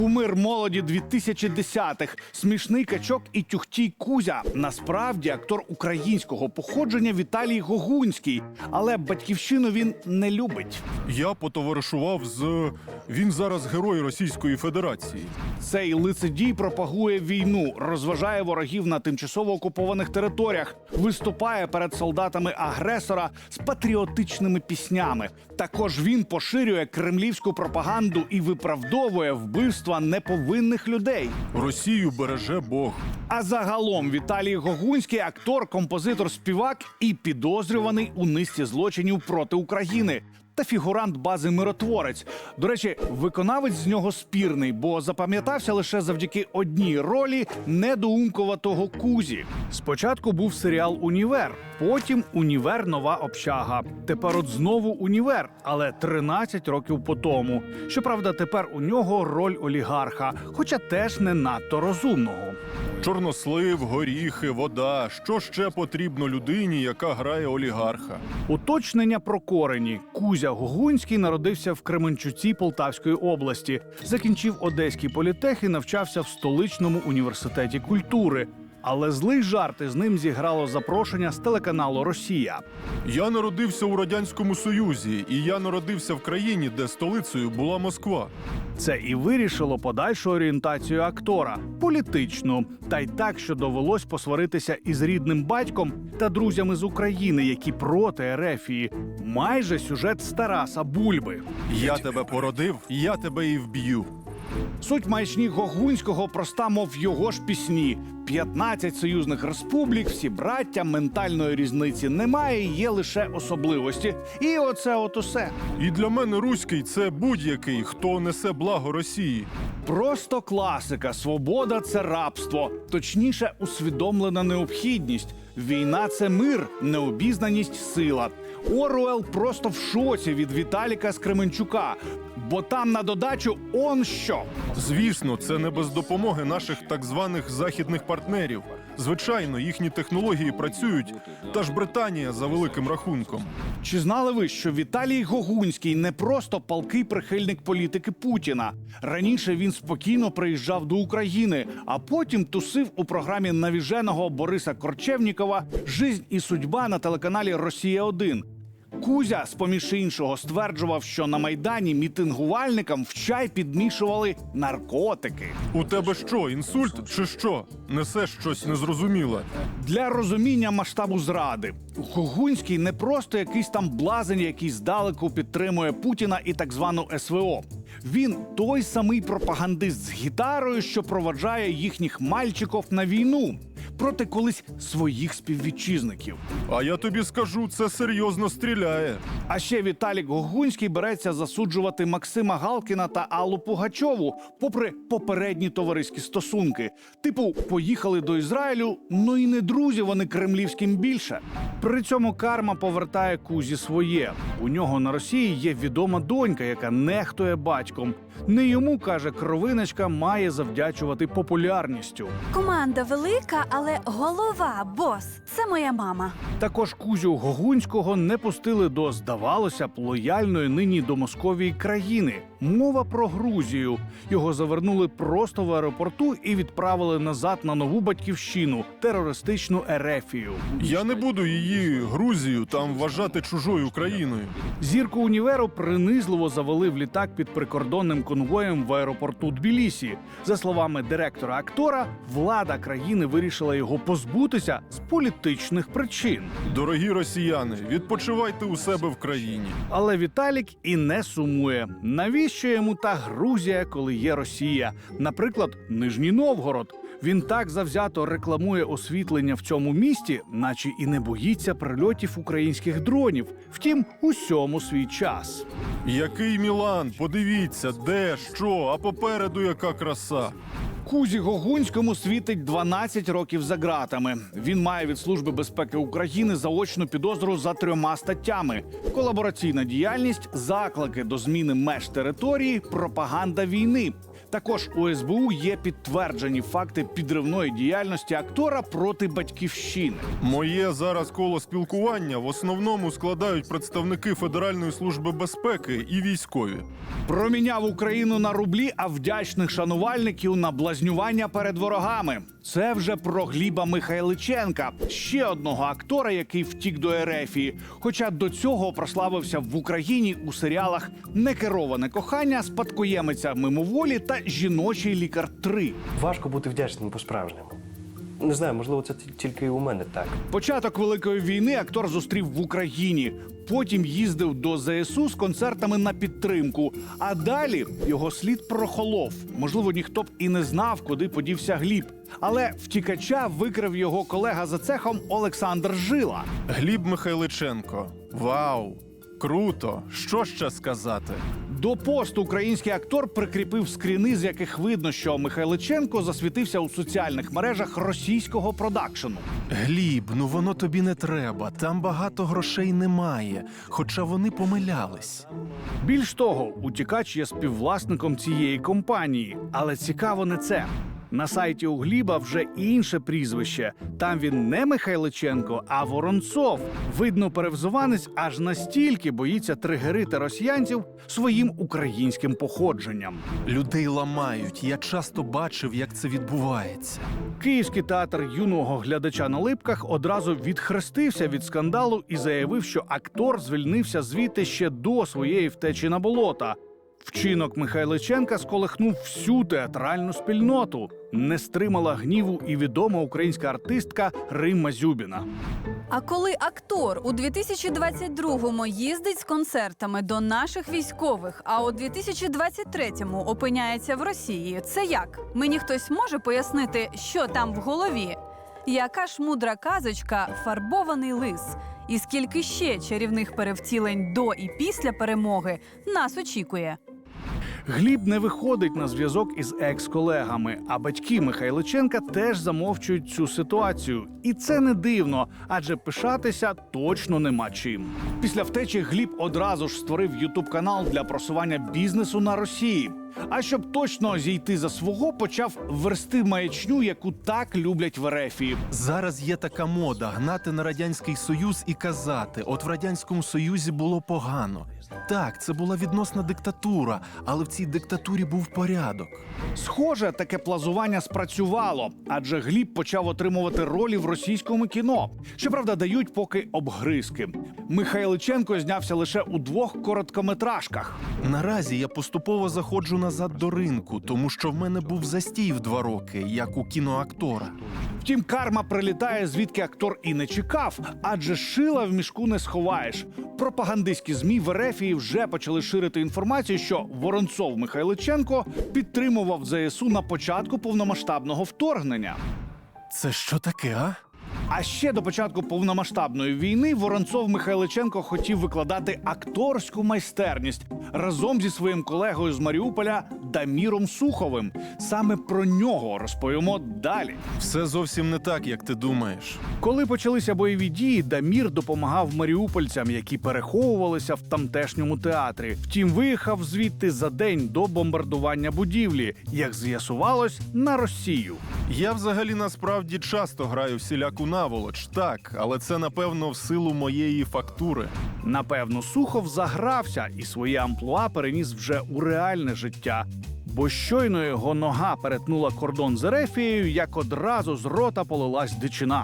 Кумир молоді 2010-х, смішний качок і тюхтій Кузя. Насправді актор українського походження Віталій Гогунський, але батьківщину він не любить. Я потоваришував з... Він зараз герой Російської Федерації. Цей лицедій пропагує війну, розважає ворогів на тимчасово окупованих територіях, виступає перед солдатами агресора з патріотичними піснями. Також він поширює кремлівську пропаганду і виправдовує вбивства неповинних людей. Росію береже Бог. А загалом Віталій Гогунський – актор, композитор, співак і підозрюваний у низці злочинів проти України. Та фігурант бази «Миротворець». До речі, виконавець з нього спірний, бо запам'ятався лише завдяки одній ролі недоумкуватого Кузі. Спочатку був серіал «Універ», потім «Універ. Нова общага». Тепер от знову «Універ», але 13 років по тому. Щоправда, тепер у нього роль олігарха, хоча теж не надто розумного. Чорнослив, горіхи, вода. Що ще потрібно людині, яка грає олігарха? Уточнення про корені. Кузя Гогунський народився в Кременчуці Полтавської області. Закінчив Одеський політех і навчався в столичному університеті культури. Але злий жарт із ним зіграло запрошення з телеканалу «Росія». Я народився у Радянському Союзі, і я народився в країні, де столицею була Москва. Це і вирішило подальшу орієнтацію актора – політичну. Та й так, що довелось посваритися із рідним батьком та друзями з України, які проти ерефії. Майже сюжет з Тараса Бульби. Я тебе породив, я тебе і вб'ю. Суть маячні Гогунського проста, мов його ж пісні. 15 союзних республік, всі браття, ментальної різниці немає, є лише особливості. І оце от усе. І для мене руський – це будь-який, хто несе благо Росії. Просто класика. Свобода – це рабство. Точніше, усвідомлена необхідність. Війна – це мир, необізнаність – сила. Оруел просто в шоці від Віталіка з Кременчука. Бо там на додачу он що. Звісно, це не без допомоги наших так званих західних партнерів. Звичайно, їхні технології працюють, та ж Британія за великим рахунком. Чи знали ви, що Віталій Гогунський не просто палкий прихильник політики Путіна? Раніше він спокійно приїжджав до України, а потім тусив у програмі навіженого Бориса Корчевнікова «Жизнь і судьба» на телеканалі «Росія-1». Кузя, з-поміж іншого, стверджував, що на Майдані мітингувальникам в чай підмішували наркотики. У тебе що, інсульт чи що? Несеш щось незрозуміле. Для розуміння масштабу зради. Гогунський не просто якийсь там блазень, який здалеку підтримує Путіна і так звану СВО. Він той самий пропагандист з гітарою, що проваджає їхніх мальчиків на війну проти колись своїх співвітчизників. А я тобі скажу, це серйозно стріляє. А ще Віталік Гогунський береться засуджувати Максима Галкіна та Аллу Пугачову, попри попередні товариські стосунки. Типу, поїхали до Ізраїлю, ну і не друзі вони кремлівським більше. При цьому карма повертає Кузі своє. У нього на Росії є відома донька, яка нехтує батьком. Не йому, каже кровиночка, має завдячувати популярністю. Команда велика, але голова, бос – це моя мама. Також Кузю Гогунського не пустили до, здавалося б, лояльної нині до Московії країни. Мова про Грузію. Його завернули просто в аеропорту і відправили назад на нову батьківщину – терористичну Ерефію. Я не буду її, Грузію, там вважати чужою країною. Зірку універу принизливо завели в літак під прикордонним конвоєм в аеропорту Тбілісі. За словами директора актора, влада країни вирішила його позбутися з політичних причин. Дорогі росіяни, відпочивайте у себе в країні. Але Віталік і не сумує. Навіщо йому та Грузія, коли є Росія? Наприклад, Нижній Новгород. Він так завзято рекламує освітлення в цьому місті, наче і не боїться прильотів українських дронів. Втім, усьому свій час. Який Мілан, подивіться, де, що, а попереду яка краса. Кузі Гогунському світить 12 років за ґратами. Він має від Служби безпеки України заочну підозру за 3 статтями: колабораційна діяльність, заклики до зміни меж території, пропаганда війни. Також у СБУ є підтверджені факти підривної діяльності актора проти батьківщини. Моє зараз коло спілкування в основному складають представники Федеральної служби безпеки і військові. Проміняв Україну на рублі, а вдячних шанувальників на блазнювання перед ворогами. Це вже про Гліба Михайличенка, ще одного актора, який втік до Ерефії. Хоча до цього прославився в Україні у серіалах «Некероване кохання», «Спадкоємиця мимоволі» та «Жіночий лікар 3». Важко бути вдячним по-справжньому. Не знаю, можливо, це тільки у мене так. Початок Великої війни актор зустрів в Україні. Потім їздив до ЗСУ з концертами на підтримку. А далі його слід прохолов. Можливо, ніхто б і не знав, куди подівся Гліб. Але втікача викрив його колега за цехом Олександр Жила. Гліб Михайличенко. Вау! Круто! Що ще сказати? До посту український актор прикріпив скріни, з яких видно, що Михайличенко засвітився у соціальних мережах російського продакшену. Гліб, ну воно тобі не треба. Там багато грошей немає. Хоча вони помилялись. Більш того, утікач є співвласником цієї компанії. Але цікаво не це. На сайті у Гліба вже інше прізвище. Там він не Михайличенко, а Воронцов. Видно, перевзуванець аж настільки боїться тригерити росіянців своїм українським походженням. Людей ламають. Я часто бачив, як це відбувається. Київський театр юного глядача на Липках одразу відхрестився від скандалу і заявив, що актор звільнився звідти ще до своєї втечі на болота. Вчинок Михайличенка сколихнув всю театральну спільноту. Не стримала гніву і відома українська артистка Римма Зюбіна. А коли актор у 2022-му їздить з концертами до наших військових, а у 2023-му опиняється в Росії, це як? Мені хтось може пояснити, що там в голові? Яка ж мудра казочка «Фарбований лис»? І скільки ще чарівних перевтілень до і після перемоги нас очікує? Гліб не виходить на зв'язок із екс-колегами, а батьки Михайличенка теж замовчують цю ситуацію. І це не дивно, адже пишатися точно нема чим. Після втечі Гліб одразу ж створив ютуб-канал для просування бізнесу на Росії. А щоб точно зійти за свого, почав версти маячню, яку так люблять в Ерефії. Зараз є така мода – гнати на Радянський Союз і казати, от в Радянському Союзі було погано. Так, це була відносна диктатура, але в цій диктатурі був порядок. Схоже, таке плазування спрацювало, адже Гліб почав отримувати ролі в російському кіно. Щоправда, дають поки обгризки. Михайличенко знявся лише у 2 короткометражках. Наразі я поступово заходжу назад до ринку, тому що в мене був застій в 2 роки, як у кіноактора. Втім, карма прилітає, звідки актор і не чекав, адже шила в мішку не сховаєш. Пропагандистські ЗМІ в Ерефії вже почали ширити інформацію, що Воронцов Михайличенко підтримував ЗСУ на початку повномасштабного вторгнення. Це що таке, а? А ще до початку повномасштабної війни Воронцов Михайличенко хотів викладати акторську майстерність разом зі своїм колегою з Маріуполя Даміром Суховим. Саме про нього розповімо далі. Все зовсім не так, як ти думаєш. Коли почалися бойові дії, Дамір допомагав маріупольцям, які переховувалися в тамтешньому театрі. Втім, виїхав звідти за день до бомбардування будівлі, як з'ясувалось, на Росію. Я взагалі насправді часто граю всіляку наволоч, так, але це, напевно, в силу моєї фактури. Напевно, Сухов загрався і своє амплуа переніс вже у реальне життя. Бо щойно його нога перетнула кордон з Ерефією, як одразу з рота полилась дичина.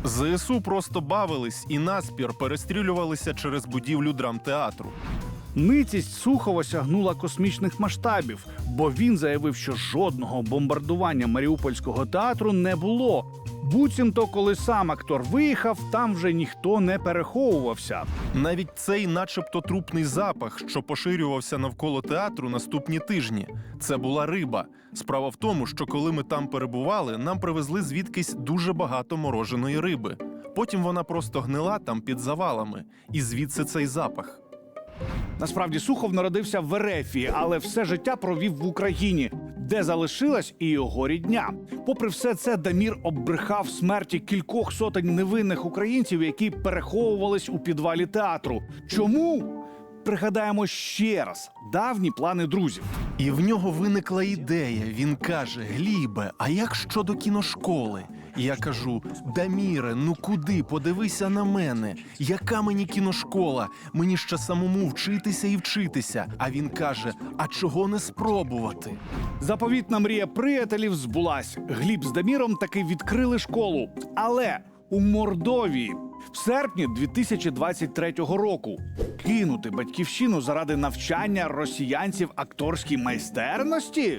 ЗСУ просто бавились і наспір перестрілювалися через будівлю драмтеатру. Ницість Сухова сягнула космічних масштабів, бо він заявив, що жодного бомбардування Маріупольського театру не було. Буцімто, коли сам актор виїхав, там вже ніхто не переховувався. Навіть цей начебто трупний запах, що поширювався навколо театру наступні тижні. Це була риба. Справа в тому, що коли ми там перебували, нам привезли звідкись дуже багато мороженої риби. Потім вона просто гнила там під завалами. І звідси цей запах. Насправді, Сухов народився в Ерефії, але все життя провів в Україні, де залишилась і його рідня. Попри все це, Дамір оббрехав смерті кількох сотень невинних українців, які переховувались у підвалі театру. Чому? Пригадаємо ще раз давні плани друзів. І в нього виникла ідея. Він каже: Глібе, а як щодо кіношколи? Я кажу: Даміре, ну куди? Подивися на мене. Яка мені кіношкола? Мені ще самому вчитися і вчитися. А він каже: а чого не спробувати? Заповітна мрія приятелів збулась. Гліб з Даміром таки відкрили школу. Але у Мордовії. В серпні 2023 року кинути батьківщину заради навчання росіянців акторській майстерності?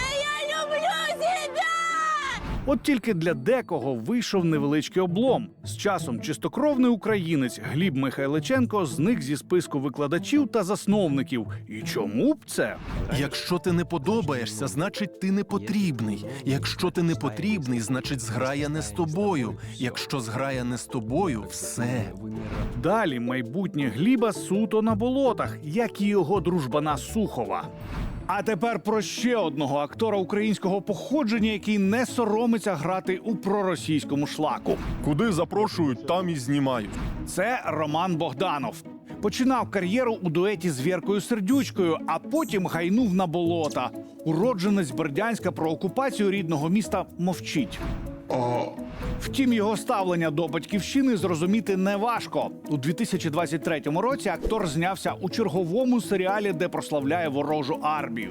От тільки для декого вийшов невеличкий облом. З часом чистокровний українець Гліб Михайличенко зник зі списку викладачів та засновників. І чому б це? Якщо ти не подобаєшся, значить ти не потрібний. Якщо ти не потрібний, значить зграя не з тобою. Якщо зграя не з тобою, все. Далі майбутнє Гліба суто на болотах, як і його дружбана Сухова. А тепер про ще одного актора українського походження, який не соромиться грати у проросійському шлаку. Куди запрошують, там і знімають. Це Роман Богданов. Починав кар'єру у дуеті з Віркою Сердючкою, а потім гайнув на болота. Уродженець Бердянська про окупацію рідного міста мовчить. Втім, його ставлення до батьківщини зрозуміти неважко. У 2023 році актор знявся у черговому серіалі, де прославляє ворожу армію.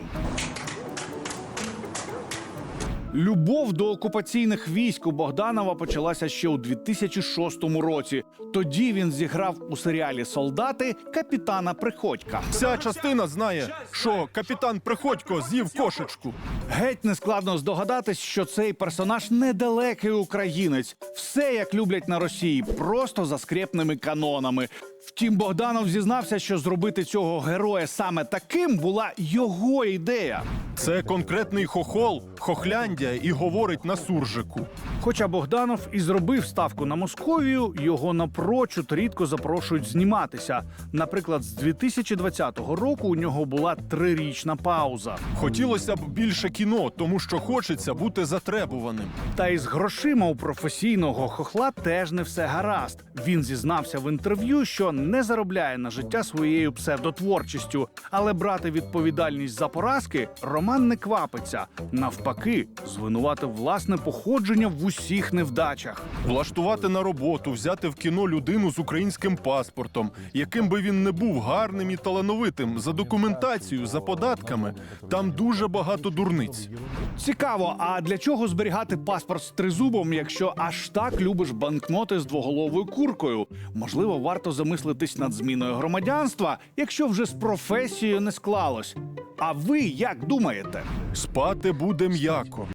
Любов до окупаційних військ у Богданова почалася ще у 2006 році. Тоді він зіграв у серіалі «Солдати» капітана Приходька. Вся частина знає, що капітан Приходько з'їв кошечку. Геть нескладно здогадатись, що цей персонаж недалекий українець. Все, як люблять на Росії, просто за скрєпними канонами. Втім, Богданов зізнався, що зробити цього героя саме таким була його ідея. Це конкретний хохол, хохляндя і говорить на суржику. Хоча Богданов і зробив ставку на Московію, його напрочуд рідко запрошують зніматися. Наприклад, з 2020 року у нього була 3-річна пауза. Хотілося б більше кіно, тому що хочеться бути затребуваним. Та й з грошима у професійного хохла теж не все гаразд. Він зізнався в інтерв'ю, що не заробляє на життя своєю псевдотворчістю. Але брати відповідальність за поразки Роман не квапиться. Навпаки, звинуватив власне походження в усіх невдачах. Влаштувати на роботу, взяти в кіно людину з українським паспортом, яким би він не був гарним і талановитим, за документацією, за податками. Там дуже багато дурниць. Цікаво, а для чого зберігати паспорт з тризубом, якщо аж так любиш банкноти з двоголовою куркою? Можливо, варто замислитись над зміною громадянства, якщо вже з професією не склалось. А ви як думаєте? Спати буде м'яко.